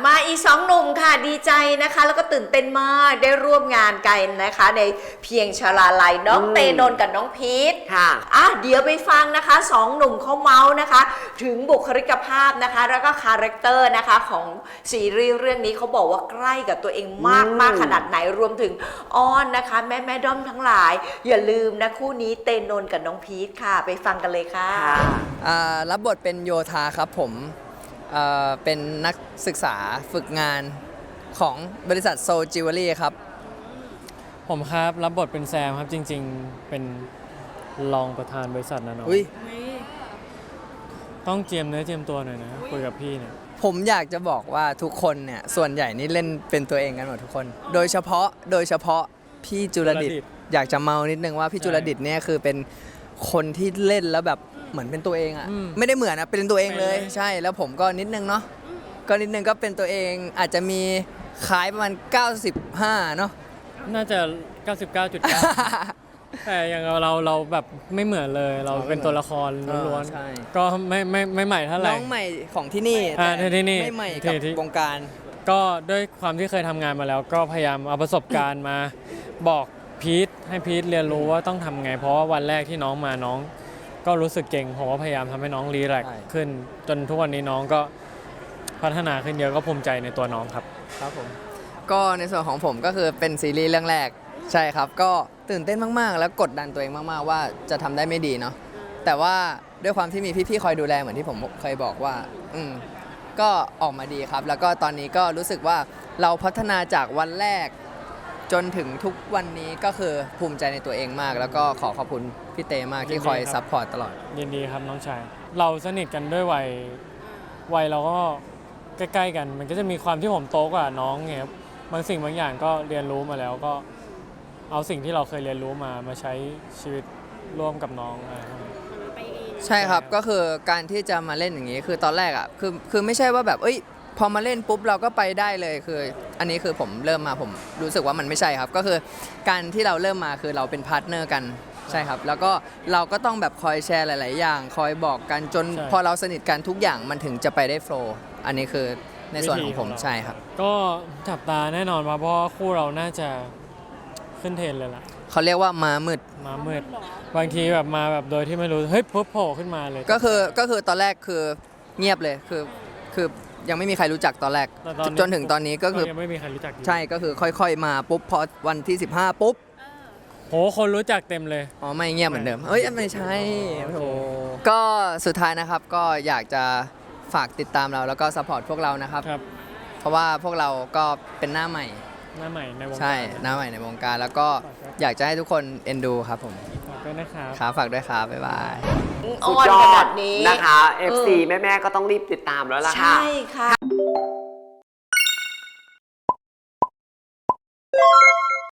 มาอีก2 หนุ่มค่ะดีใจนะคะแล้วก็ตื่นเต้นมากได้ร่วมงานกันนะคะในเพียงชลาลัยน้องเตนนท์กับน้องพีทค่ะเดี๋ยวไปฟังนะคะ2 หนุ่มเขาเมาส์นะคะถึงบุคลิกภาพนะคะแล้วก็คาแรคเตอร์นะคะของซีรีส์เรื่องนี้เขาบอกว่าใกล้กับตัวเองมากขนาดไหนรวมถึงอ้อนนะคะแม่ด้อมทั้งหลายอย่าลืมนะคู่นี้เตนนท์กับน้องพีทค่ะไปฟังกันเลยค่ะรับบทเป็นโยธาครับผมเป็นนักศึกษาฝึกงานของบริษัทโซจิวเวลรี่ครับผมครับรับบทเป็นแซมครับจริงๆเป็นรองประธานบริษัทนะน้องต้องเจียมเนื้อเจียมตัวหน่อยนะคุยกับพี่เนี่ยผมอยากจะบอกว่าทุกคนเนี่ยส่วนใหญ่นี่เล่นเป็นตัวเองกันหมดทุกคนโดยเฉพาะพี่จุลดิษฐ์อยากจะเมานิดนึงว่าพี่จุลดิษฐ์เนี่ยคือเป็นคนที่เล่นแล้วแบบเหมือนเป็นตัวเองอะไม่ได้เหมือนนะเป็นตัวเองเลยใช่แล้วผมก็นิดนึงเนาะก็นิดนึงก็เป็นตัวเองอาจจะมีคล้ายประมาณ95เนาะน่าจะ 99.9 แต่อย่างเราแบบไม่เหมือนเลยเราเป็นตัวละครล้วนๆก็ไม่ใหม่เท่าไหร่น้องใหม่ของที่นี่แต่ที่นี่ไม่ใหม่กับวงการก็ด้วยความที่เคยทำงานมาแล้วก็พยายามเอาประสบการณ์มาบอกพีทให้พีทเรียนรู้ว่าต้องทำไงเพราะว่าวันแรกที่น้องมาน้องก็รู้สึกเก่งผมก็พยายามทำให้น้องรีแลกซ์ขึ้นจนทุกวันนี้น้องก็พัฒนาขึ้นเยอะก็ภูมิใจในตัวน้องครับครับผมก็ในส่วนของผมก็คือเป็นซีรีส์เรื่องแรกใช่ครับก็ตื่นเต้นมากๆแล้วกดดันตัวเองมากๆว่าจะทำได้ไม่ดีเนาะแต่ว่าด้วยความที่มีพี่ๆคอยดูแลเหมือนที่ผมเคยบอกว่าก็ออกมาดีครับแล้วก็ตอนนี้ก็รู้สึกว่าเราพัฒนาจากวันแรกจนถึงทุกวันนี้ก็คือภูมิใจในตัวเองมากแล้วก็ขอบคุณพี่เตมากที่คอยซัพพอร์ตตลอดยินดีครับน้องชายเราสนิทกันด้วยวัยเราก็ใกล้ๆกันมันก็จะมีความที่ผมโตกว่าน้องไงครับบางสิ่งบางอย่างก็เรียนรู้มาแล้วก็เอาสิ่งที่เราเคยเรียนรู้มาใช้ชีวิตร่วมกับน้องใช่ครับก็คือการที่จะมาเล่นอย่างนี้คือตอนแรกอ่ะคือไม่ใช่ว่าแบบพอมาเล่นปุ๊บเราก็ไปได้เลยคืออันนี้คือผมเริ่มมาผมรู้สึกว่ามันไม่ใช่ครับก็คือการที่เราเริ่มมาคือเราเป็นพาร์ทเนอร์กันใช่ครับแล้วก็เราก็ต้องแบบคอยแชร์หลายๆอย่างคอยบอกกันจนพอเราสนิทกันทุกอย่างมันถึงจะไปได้โฟล์อันนี้คือในส่วนของผมใช่ครับก็จับตาแน่นอนเพราะคู่เราน่าจะขึ้นเทรนเลยล่ะเขาเรียกว่าม้ามืดบางทีแบบมาแบบโดยที่ไม่รู้เฮ้ยปุ๊บโผล่ขึ้นมาเลยก็คือตอนแรกคือเงียบเลยคือยังไม่มีใครรู้จักตอนแรกจนถึงตอนนี้ก็คือยังไม่มีใครรู้จักใช่ก็คือค่อยๆมาปุ๊บพอวันที่15ปุ๊บโหคนรู้จักเต็มเลยอ๋อไม่เงียบเหมือนเดิมไม่ใช่โหก็สุดท้ายนะครับก็อยากจะฝากติดตามเราแล้วก็ซัพพอร์ตพวกเรานะครับเพราะว่าพวกเราก็เป็นหน้าใหม่ในวงการใช่หน้าใหม่ในวงการแล้วก็อยากจะให้ทุกคนเอ็นดูครับผมฝากด้วยนะครับครับฝากด้วยครับบ๊ายบายสุดยอดนะคะ FC แม่ๆก็ต้องรีบติดตามแล้วล่ะค่ะใช่ค่ะ